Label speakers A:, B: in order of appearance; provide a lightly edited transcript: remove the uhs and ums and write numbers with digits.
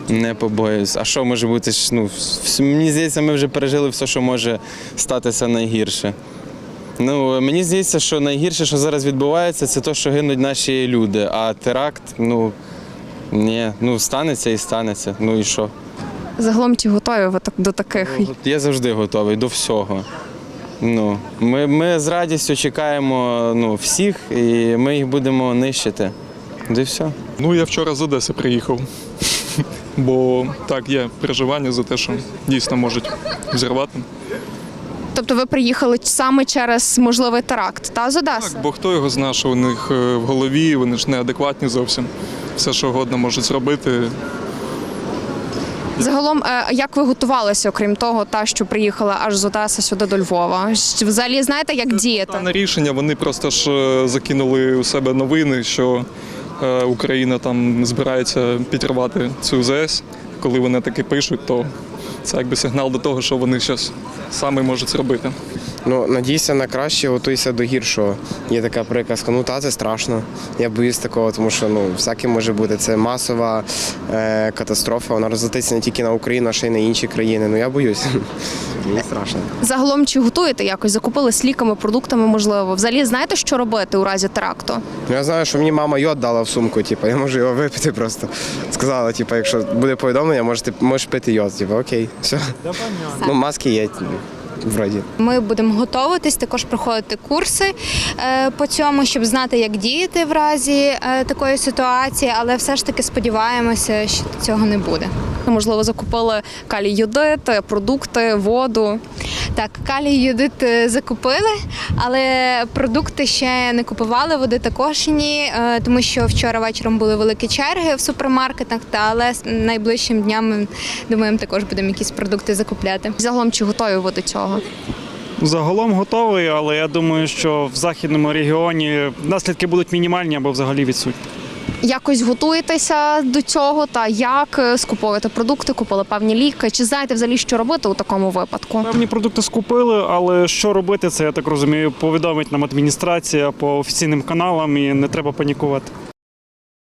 A: Не побоююсь. А що може бути? Ну, мені здається, ми вже пережили все, що може статися найгірше. Ну, мені здається, що найгірше, що зараз відбувається, це те, що гинуть наші люди. А теракт, ні, станеться і станеться. Ну і що?
B: Загалом чи готові ви до таких?
A: Я завжди готовий до всього. Ми з радістю чекаємо всіх, і ми їх будемо нищити. І все.
C: Я вчора з Одеси приїхав, бо так, є переживання за те, що дійсно можуть взірвати.
B: Тобто ви приїхали саме через можливий теракт, з Одеси?
C: Так, бо хто його знає, що у них в голові, вони ж неадекватні зовсім. Все, що угодно можуть зробити.
B: Загалом, як ви готувалися, окрім того, що приїхали аж з Одеси сюди до Львова? Взагалі знаєте, як діяти?
C: Це рішення, вони просто ж закинули у себе новини, що Україна там збирається підірвати цю ЗС. Коли вони таки пишуть, то це якби сигнал до того, що вони щось саме можуть зробити.
D: Надійся на краще, готуйся до гіршого. Є така приказка, це страшно. Я боюсь такого, тому що всяке може бути. Це масова катастрофа, вона розлетиться не тільки на Україну, а ще й на інші країни. Я боюсь. Мені страшно.
B: Загалом, чи готуєте якось? Закупились ліками, продуктами, можливо? Взагалі знаєте, що робити у разі теракту?
D: Я знаю, що мені мама йод дала в сумку, я можу його випити просто. Сказала, якщо буде повідомлення, можеш пити йод. Окей, все. Маски є. Вроді.
E: Ми будемо готуватись, також проходити курси по цьому, щоб знати, як діяти в разі такої ситуації, але все ж таки сподіваємося, що цього не буде.
B: Можливо, закупили калій-йодит, продукти, воду.
E: Так, калій-йодит закупили, але продукти ще не купували, води також ні, тому що вчора вечором були великі черги в супермаркетах, але найближчим днями, думаємо, також будемо якісь продукти закупляти.
B: Загалом, чи готові ви до цього?
F: Загалом готовий, але я думаю, що в західному регіоні наслідки будуть мінімальні або взагалі відсутні.
B: Якось готуєтеся до цього та як скуповуєте продукти, купили певні ліки? Чи знаєте взагалі, що робити у такому випадку?
F: Певні продукти скупили, але що робити, це, я так розумію, повідомить нам адміністрація по офіційним каналам і не треба панікувати.